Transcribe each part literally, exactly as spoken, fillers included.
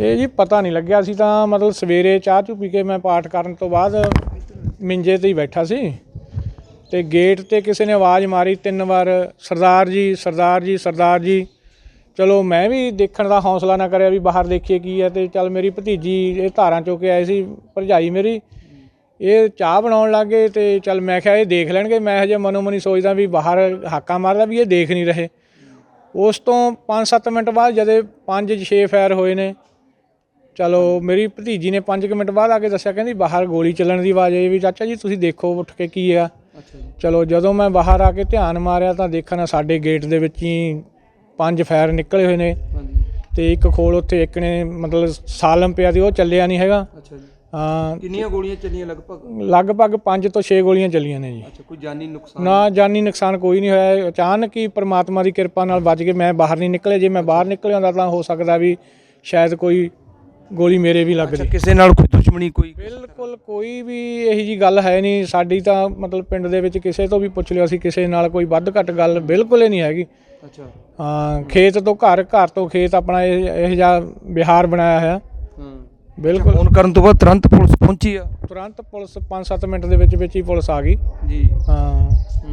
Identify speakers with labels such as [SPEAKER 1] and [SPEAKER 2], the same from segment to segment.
[SPEAKER 1] ਇਹ ਜੀ ਪਤਾ ਨਹੀਂ ਲੱਗਿਆ। ਅਸੀਂ ਤਾਂ ਮਤਲਬ ਸਵੇਰੇ ਚਾਹ ਚੂ ਪੀ ਕੇ ਮੈਂ ਪਾਠ ਕਰਨ ਤੋਂ ਬਾਅਦ ਮਿੰਜੇ 'ਤੇ ਹੀ ਬੈਠਾ ਸੀ ਅਤੇ ਗੇਟ 'ਤੇ ਕਿਸੇ ਨੇ ਆਵਾਜ਼ ਮਾਰੀ ਤਿੰਨ ਵਾਰ, ਸਰਦਾਰ ਜੀ ਸਰਦਾਰ ਜੀ ਸਰਦਾਰ ਜੀ। ਚਲੋ ਮੈਂ ਵੀ ਦੇਖਣ ਦਾ ਹੌਸਲਾ ਨਾ ਕਰਿਆ ਵੀ ਬਾਹਰ ਦੇਖੀਏ ਕੀ ਹੈ, ਅਤੇ ਚੱਲ ਮੇਰੀ ਭਤੀਜੀ ਇਹ ਧਾਰਾਂ ਚੋ ਕੇ ਆਏ ਸੀ, ਭਰਜਾਈ ਮੇਰੀ, ਇਹ ਚਾਹ ਬਣਾਉਣ ਲੱਗ ਗਏ ਅਤੇ ਚੱਲ ਮੈਂ ਕਿਹਾ ਇਹ ਦੇਖ ਲੈਣਗੇ। ਮੈਂ ਹਜੇ ਮਨੋ ਮਨੀ ਸੋਚਦਾ ਵੀ ਬਾਹਰ ਹਾਕਾ ਮਾਰਦਾ ਵੀ ਇਹ ਦੇਖ ਨਹੀਂ ਰਹੇ। ਉਸ ਤੋਂ ਪੰਜ ਸੱਤ ਮਿੰਟ ਬਾਅਦ ਜਦੇ ਪੰਜ ਛੇ ਫਾਇਰ ਹੋਏ ਨੇ। ਚਲੋ ਮੇਰੀ ਭਤੀਜੀ ਨੇ ਪੰਜ ਕੁ ਮਿੰਟ ਬਾਅਦ ਆ ਕੇ ਦੱਸਿਆ, ਕਹਿੰਦੀ ਬਾਹਰ ਗੋਲੀ ਚੱਲਣ ਦੀ ਆਵਾਜ਼ ਆਈ ਵੀ ਚਾਚਾ ਜੀ ਤੁਸੀਂ ਦੇਖੋ ਉੱਠ ਕੇ ਕੀ ਆ। ਚਲੋ ਜਦੋਂ ਮੈਂ ਬਾਹਰ ਆ ਕੇ ਧਿਆਨ ਮਾਰਿਆ ਤਾਂ ਦੇਖਣਾ ਸਾਡੇ ਗੇਟ ਦੇ ਵਿੱਚ ਹੀ ਪੰਜ ਫਾਇਰ ਨਿਕਲੇ ਹੋਏ ਨੇ ਅਤੇ ਇੱਕ ਖੋਲ ਉੱਥੇ ਇੱਕ ਨੇ ਮਤਲਬ ਸਾਲਮ ਪਿਆ ਸੀ, ਉਹ ਚੱਲਿਆ ਨਹੀਂ ਹੈਗਾ। ਹਾਂ।
[SPEAKER 2] ਕਿੰਨੀਆਂ ਗੋਲੀਆਂ ਚੱਲੀਆਂ ਲਗਭਗ?
[SPEAKER 1] ਲਗਭਗ ਪੰਜ ਤੋਂ ਛੇ ਗੋਲੀਆਂ ਚੱਲੀਆਂ ਨੇ ਜੀ।
[SPEAKER 2] ਕੋਈ ਜਾਨੀ ਨੁਕਸਾਨ?
[SPEAKER 1] ਨਾ ਜਾਨੀ ਨੁਕਸਾਨ ਕੋਈ ਨਹੀਂ ਹੋਇਆ। ਅਚਾਨਕ ਹੀ ਪਰਮਾਤਮਾ ਦੀ ਕਿਰਪਾ ਨਾਲ ਬਚ ਕੇ ਮੈਂ ਬਾਹਰ ਨਹੀਂ ਨਿਕਲਿਆ। ਜੇ ਮੈਂ ਬਾਹਰ ਨਿਕਲਿਆ ਹੁੰਦਾ ਤਾਂ ਹੋ ਸਕਦਾ ਵੀ ਸ਼ਾਇਦ ਕੋਈ ਗੋਲੀ ਮੇਰੇ ਵੀ ਲੱਗਦੀ।
[SPEAKER 2] ਕਿਸੇ ਨਾਲ ਕੋਈ ਦੁਸ਼ਮਣੀ? ਕੋਈ
[SPEAKER 1] ਬਿਲਕੁਲ ਕੋਈ ਵੀ ਇਹੋ ਜਿਹੀ ਗੱਲ ਹੈ ਨਹੀਂ ਸਾਡੀ ਤਾਂ। ਮਤਲਬ ਪਿੰਡ ਦੇ ਵਿੱਚ ਕਿਸੇ ਤੋਂ ਵੀ ਪੁੱਛ ਲਿਓ, ਅਸੀਂ ਕਿਸੇ ਨਾਲ ਕੋਈ ਵੱਧ ਘੱਟ ਗੱਲ ਬਿਲਕੁਲ ਹੀ ਨਹੀਂ ਹੈਗੀ।
[SPEAKER 2] ਅੱਛਾ।
[SPEAKER 1] ਹਾਂ, ਖੇਤ ਤੋਂ ਘਰ, ਘਰ ਤੋਂ ਖੇਤ, ਆਪਣਾ ਇਹ ਇਹੋ ਜਿਹਾ ਵਿਹਾਰ ਬਣਾਇਆ ਹੋਇਆ। ਬਿਲਕੁਲ।
[SPEAKER 2] ਫੋਨ ਕਰਨ ਤੋਂ ਬਾਅਦ ਤੁਰੰਤ ਪੁਲਿਸ ਪਹੁੰਚੀ ਆ?
[SPEAKER 1] ਤੁਰੰਤ ਪੁਲਿਸ ਪੰਜ ਸੱਤ ਮਿੰਟ ਦੇ ਵਿੱਚ ਵਿੱਚ ਹੀ ਪੁਲਿਸ ਆ ਗਈ ਜੀ। ਹਾਂ।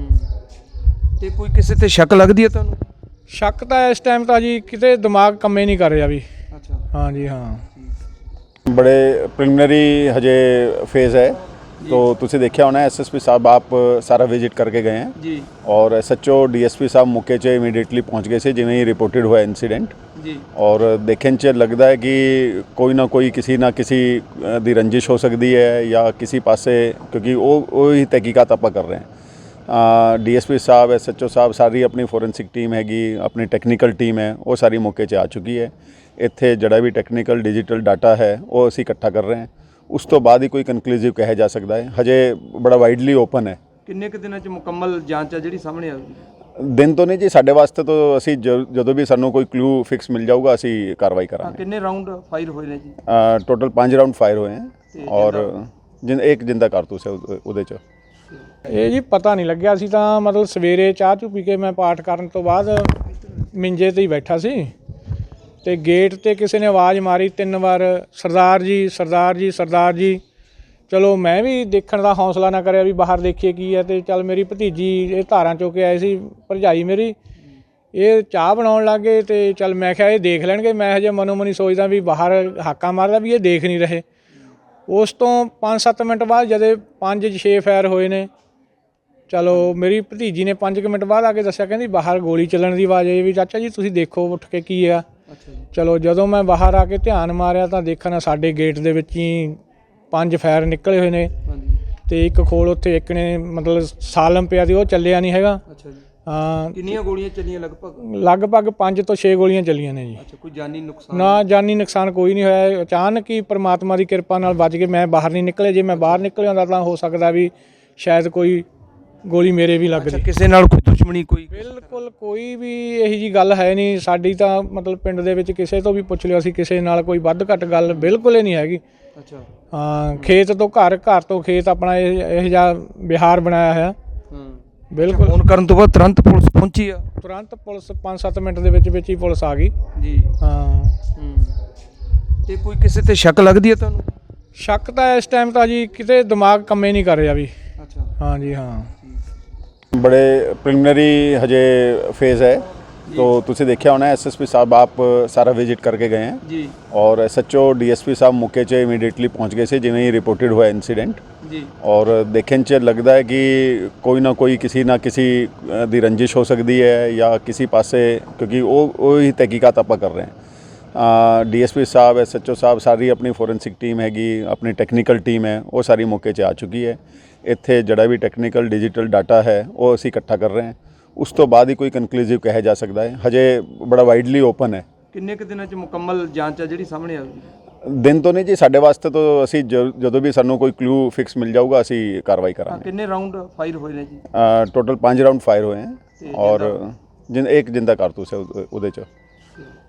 [SPEAKER 2] ਤੇ ਕੋਈ ਕਿਸੇ ਤੇ ਸ਼ੱਕ ਲੱਗਦੀ ਹੈ ਤੁਹਾਨੂੰ?
[SPEAKER 1] ਸ਼ੱਕ ਤਾਂ ਇਸ ਟਾਈਮ ਤਾਂ ਜੀ ਕਿਤੇ ਦਿਮਾਗ ਕੰਮੇ ਨਹੀਂ ਕਰ ਰਿਹਾ ਵੀ।
[SPEAKER 2] ਅੱਛਾ।
[SPEAKER 1] ਹਾਂ ਜੀ ਹਾਂ।
[SPEAKER 3] बड़े प्रिलिमिनरी हजे फेज़ है, तो तुसी देखा होना एस एस पी साहब आप सारा विजिट करके गए हैं
[SPEAKER 2] जी,
[SPEAKER 3] और S H O D S P साहब मौके 'च इमीडिएटली पहुंच गए थे जिवें ही रिपोर्टेड हुआ इंसीडेंट
[SPEAKER 2] जी।
[SPEAKER 3] और देखने 'च लगता है कि कोई ना कोई किसी ना किसी दी रंजिश हो सकती है या किसी पासे, क्योंकि वो वही तहकीकात आप कर रहे हैं। डी एस पी साहब, एस एच ओ साहब, सारी अपनी फोरेंसिक टीम हैगी, अपनी टैक्नीकल टीम है, वो सारी मौके 'च आ चुकी है। ਇੱਥੇ ਜਿਹੜਾ ਵੀ ਟੈਕਨੀਕਲ ਡਿਜੀਟਲ ਡਾਟਾ ਹੈ ਉਹ ਅਸੀਂ ਇਕੱਠਾ ਕਰ ਰਹੇ ਹਾਂ। ਉਸ ਤੋਂ ਬਾਅਦ ਹੀ ਕੋਈ ਕਨਕਲੂਸਿਵ ਕਿਹਾ ਜਾ ਸਕਦਾ ਹੈ। ਹਜੇ ਬੜਾ ਵਾਈਡਲੀ ਓਪਨ ਹੈ।
[SPEAKER 2] ਕਿੰਨੇ ਕੁ ਦਿਨਾਂ 'ਚ ਮੁਕੰਮਲ ਜਾਂਚ ਆ ਜਿਹੜੀ ਸਾਹਮਣੇ ਆਊਗੀ?
[SPEAKER 3] ਦਿਨ ਤੋਂ ਨਹੀਂ ਜੀ, ਸਾਡੇ ਵਾਸਤੇ ਤਾਂ ਅਸੀਂ ਜਦੋਂ ਵੀ ਸਾਨੂੰ ਕੋਈ ਕਲੂ ਫਿਕਸ ਮਿਲ ਜਾਊਗਾ ਅਸੀਂ ਕਾਰਵਾਈ ਕਰਾਂਗੇ।
[SPEAKER 2] ਕਿੰਨੇ ਰਾਊਂਡ ਫਾਇਰ ਹੋਏ ਨੇ ਜੀ?
[SPEAKER 3] ਟੋਟਲ ਪੰਜ ਰਾਊਂਡ ਫਾਇਰ ਹੋਏ ਹੈ ਔਰ ਜਿੰਨ ਇੱਕ ਜਿੰਦਾ ਕਾਰਤੂਸ ਹੈ ਉਹਦੇ 'ਚ।
[SPEAKER 1] ਇਹ ਜੀ ਪਤਾ ਨਹੀਂ ਲੱਗਿਆ। ਅਸੀਂ ਤਾਂ ਮਤਲਬ ਸਵੇਰੇ ਚਾਹ ਚੂ ਪੀ ਕੇ ਮੈਂ ਪਾਠ ਕਰਨ ਤੋਂ ਬਾਅਦ ਮਿੰਜੇ 'ਤੇ ਹੀ ਬੈਠਾ ਸੀ ਅਤੇ ਗੇਟ 'ਤੇ ਕਿਸੇ ਨੇ ਆਵਾਜ਼ ਮਾਰੀ ਤਿੰਨ ਵਾਰ, ਸਰਦਾਰ ਜੀ ਸਰਦਾਰ ਜੀ ਸਰਦਾਰ ਜੀ। ਚਲੋ ਮੈਂ ਵੀ ਦੇਖਣ ਦਾ ਹੌਸਲਾ ਨਾ ਕਰਿਆ ਵੀ ਬਾਹਰ ਦੇਖੀਏ ਕੀ ਹੈ, ਅਤੇ ਚੱਲ ਮੇਰੀ ਭਤੀਜੀ ਇਹ ਧਾਰਾਂ ਚੋ ਕੇ ਆਏ ਸੀ, ਭਰਜਾਈ ਮੇਰੀ, ਇਹ ਚਾਹ ਬਣਾਉਣ ਲੱਗ ਗਏ ਅਤੇ ਚੱਲ ਮੈਂ ਕਿਹਾ ਇਹ ਦੇਖ ਲੈਣਗੇ। ਮੈਂ ਹਜੇ ਮਨੋ ਮਨੀ ਸੋਚਦਾ ਵੀ ਬਾਹਰ ਹਾਕਾ ਮਾਰਦਾ ਵੀ ਇਹ ਦੇਖ ਨਹੀਂ ਰਹੇ। ਉਸ ਤੋਂ ਪੰਜ ਸੱਤ ਮਿੰਟ ਬਾਅਦ ਜਦੇ ਪੰਜ ਛੇ ਫਾਇਰ ਹੋਏ ਨੇ। ਚਲੋ ਮੇਰੀ ਭਤੀਜੀ ਨੇ ਪੰਜ ਕੁ ਮਿੰਟ ਬਾਅਦ ਆ ਕੇ ਦੱਸਿਆ, ਕਹਿੰਦੀ ਬਾਹਰ ਗੋਲੀ ਚੱਲਣ ਦੀ ਆਵਾਜ਼ ਆਈ ਵੀ ਚਾਚਾ ਜੀ ਤੁਸੀਂ ਦੇਖੋ ਉੱਠ ਕੇ ਕੀ ਆ। ਚਲੋ ਜਦੋਂ ਮੈਂ ਬਾਹਰ ਆ ਕੇ ਧਿਆਨ ਮਾਰਿਆ ਤਾਂ ਦੇਖਣਾ ਸਾਡੇ ਗੇਟ ਦੇ ਵਿੱਚ ਹੀ ਪੰਜ ਫਾਇਰ ਨਿਕਲੇ ਹੋਏ ਨੇ ਅਤੇ ਇੱਕ ਖੋਲ ਉੱਥੇ ਇੱਕ ਨੇ ਮਤਲਬ ਸਾਲਮ ਪਿਆ ਸੀ, ਉਹ ਚੱਲਿਆ ਨਹੀਂ ਹੈਗਾ। ਹਾਂ।
[SPEAKER 2] ਕਿੰਨੀਆਂ ਗੋਲੀਆਂ ਚੱਲੀਆਂ ਲਗਭਗ?
[SPEAKER 1] ਲਗਭਗ ਪੰਜ ਤੋਂ ਛੇ ਗੋਲੀਆਂ ਚੱਲੀਆਂ ਨੇ ਜੀ।
[SPEAKER 2] ਕੋਈ ਜਾਨੀ ਨੁਕਸਾਨ? ਨਾ
[SPEAKER 1] ਜਾਨੀ ਨੁਕਸਾਨ ਕੋਈ ਨਹੀਂ ਹੋਇਆ। ਅਚਾਨਕ ਹੀ ਪਰਮਾਤਮਾ ਦੀ ਕਿਰਪਾ ਨਾਲ ਬਚ ਕੇ ਮੈਂ ਬਾਹਰ ਨਹੀਂ ਨਿਕਲਿਆ। ਜੇ ਮੈਂ ਬਾਹਰ ਨਿਕਲਿਆ ਹੁੰਦਾ ਤਾਂ ਹੋ ਸਕਦਾ ਵੀ ਸ਼ਾਇਦ ਕੋਈ ਗੋਲੀ ਮੇਰੇ ਵੀ ਲੱਗਦੀ।
[SPEAKER 2] ਕਿਸੇ ਨਾਲ ਕੋਈ ਦੁਸ਼ਮਣੀ? ਕੋਈ
[SPEAKER 1] ਬਿਲਕੁਲ ਕੋਈ ਵੀ ਇਹੋ ਜਿਹੀ ਗੱਲ ਹੈ ਨਹੀਂ ਸਾਡੀ ਤਾਂ। ਮਤਲਬ ਪਿੰਡ ਦੇ ਵਿੱਚ ਕਿਸੇ ਤੋਂ ਵੀ ਪੁੱਛ ਲਿਓ, ਅਸੀਂ ਕਿਸੇ ਨਾਲ ਕੋਈ ਵੱਧ ਘੱਟ ਗੱਲ ਬਿਲਕੁਲ ਹੀ ਨਹੀਂ ਹੈਗੀ।
[SPEAKER 2] ਅੱਛਾ।
[SPEAKER 1] ਹਾਂ, ਖੇਤ ਤੋਂ ਘਰ, ਘਰ ਤੋਂ ਖੇਤ, ਆਪਣਾ ਇਹ ਇਹੋ ਜਿਹਾ ਵਿਹਾਰ ਬਣਾਇਆ ਹੋਇਆ। ਬਿਲਕੁਲ।
[SPEAKER 2] ਫੋਨ ਕਰਨ ਤੋਂ ਬਾਅਦ ਤੁਰੰਤ ਪੁਲਿਸ ਪਹੁੰਚੀ ਆ?
[SPEAKER 1] ਤੁਰੰਤ ਪੁਲਿਸ ਪੰਜ ਸੱਤ ਮਿੰਟ ਦੇ ਵਿੱਚ ਵਿੱਚ ਹੀ ਪੁਲਿਸ ਆ ਗਈ
[SPEAKER 2] ਜੀ।
[SPEAKER 1] ਹਾਂ।
[SPEAKER 2] ਤੇ ਕੋਈ ਕਿਸੇ ਤੇ ਸ਼ੱਕ ਲੱਗਦੀ ਹੈ ਤੁਹਾਨੂੰ?
[SPEAKER 1] ਸ਼ੱਕ ਤਾਂ ਇਸ ਟਾਈਮ ਤਾਂ ਜੀ ਕਿਤੇ ਦਿਮਾਗ ਕੰਮੇ ਨਹੀਂ ਕਰ ਰਿਹਾ ਵੀ।
[SPEAKER 2] ਅੱਛਾ।
[SPEAKER 1] ਹਾਂ ਜੀ ਹਾਂ।
[SPEAKER 3] बड़े प्रिलिमिनरी हजे फेज़ है, तो तुसी देखा होना एस एस पी साहब आप सारा विजिट करके गए हैं
[SPEAKER 2] जी,
[SPEAKER 3] और S H O D S P साहब मौके 'च इमीडिएटली पहुंच गए थे जिवें ही रिपोर्टेड हुआ इंसीडेंट
[SPEAKER 2] जी।
[SPEAKER 3] और देखने 'च लगता है कि कोई ना कोई किसी ना किसी दी रंजिश हो सकती है या किसी पासे, क्योंकि वो वही तहकीकात आप कर रहे हैं। डी एस पी साहब, एस एच ओ साहब, सारी अपनी फोरेंसिक टीम हैगी, अपनी टैक्नीकल टीम है, वो सारी मौके 'ਚ आ चुकी है। ਇੱਥੇ ਜਿਹੜਾ ਵੀ ਟੈਕਨੀਕਲ ਡਿਜੀਟਲ ਡਾਟਾ ਹੈ ਉਹ ਅਸੀਂ ਇਕੱਠਾ ਕਰ ਰਹੇ ਹਾਂ। ਉਸ ਤੋਂ ਬਾਅਦ ਹੀ ਕੋਈ ਕਨਕਲੂਸਿਵ ਕਿਹਾ ਜਾ ਸਕਦਾ ਹੈ। ਹਜੇ ਬੜਾ ਵਾਈਡਲੀ ਓਪਨ ਹੈ।
[SPEAKER 2] ਕਿੰਨੇ ਕੁ ਦਿਨਾਂ 'ਚ ਮੁਕੰਮਲ ਜਾਂਚ ਆ ਜਿਹੜੀ ਸਾਹਮਣੇ ਆਊਗੀ?
[SPEAKER 3] ਦਿਨ ਤੋਂ ਨਹੀਂ ਜੀ, ਸਾਡੇ ਵਾਸਤੇ ਤਾਂ ਅਸੀਂ ਜਦੋਂ ਵੀ ਸਾਨੂੰ ਕੋਈ ਕਲੂ ਫਿਕਸ ਮਿਲ ਜਾਊਗਾ ਅਸੀਂ ਕਾਰਵਾਈ ਕਰਾਂਗੇ।
[SPEAKER 2] ਕਿੰਨੇ ਰਾਊਂਡ ਫਾਇਰ ਹੋਏ ਨੇ ਜੀ?
[SPEAKER 3] ਟੋਟਲ ਪੰਜ ਰਾਊਂਡ ਫਾਇਰ ਹੋਏ ਹੈ ਔਰ ਜਿੰਨ ਇੱਕ ਜਿੰਦਾ ਕਾਰਤੂਸ ਹੈ ਉਹਦੇ 'ਚ।